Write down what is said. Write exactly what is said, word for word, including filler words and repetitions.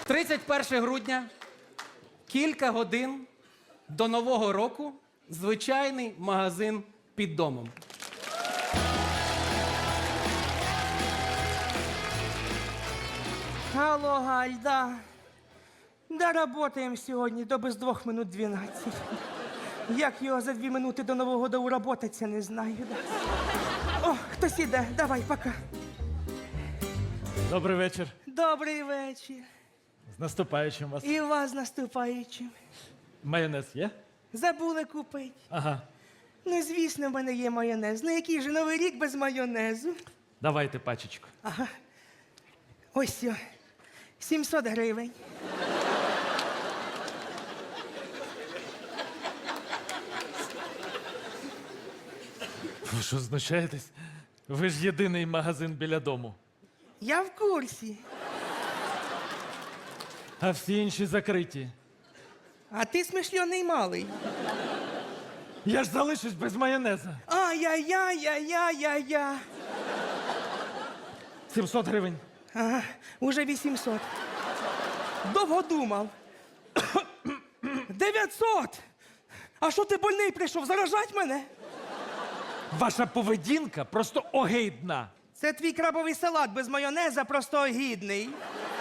тридцять перше грудня, кілька годин до Нового року, звичайний магазин під домом. Алло, Галь, да. Да, работаем сьогодні до без двох минут дванадцять. Як його за дві минути до Нового года уработаться, не знаю. Да. О, хтось іде, давай, пока. Добрий вечір. Добрий вечір. З наступаючим вас. І вас з наступаючим. Майонез є? Забули купити. Ага. Ну, звісно, в мене є майонез. Ну, який же Новий рік без майонезу? Давайте пачечку. Ага. Ось сьо. сімсот гривень. Ви що, знущаєтесь? Ви ж єдиний магазин біля дому. Я в курсі. А всі інші закриті. А ти смишльоний малий. Я ж залишусь без майонеза. Ай-яй-яй-яй-яй-яй. сімсот гривень. Ага, уже вісімсот. Довго думав. дев'ятсот! А що ти больний прийшов? Заражать мене? Ваша поведінка просто огидна. Це твій крабовий салат без майонеза, просто огідний.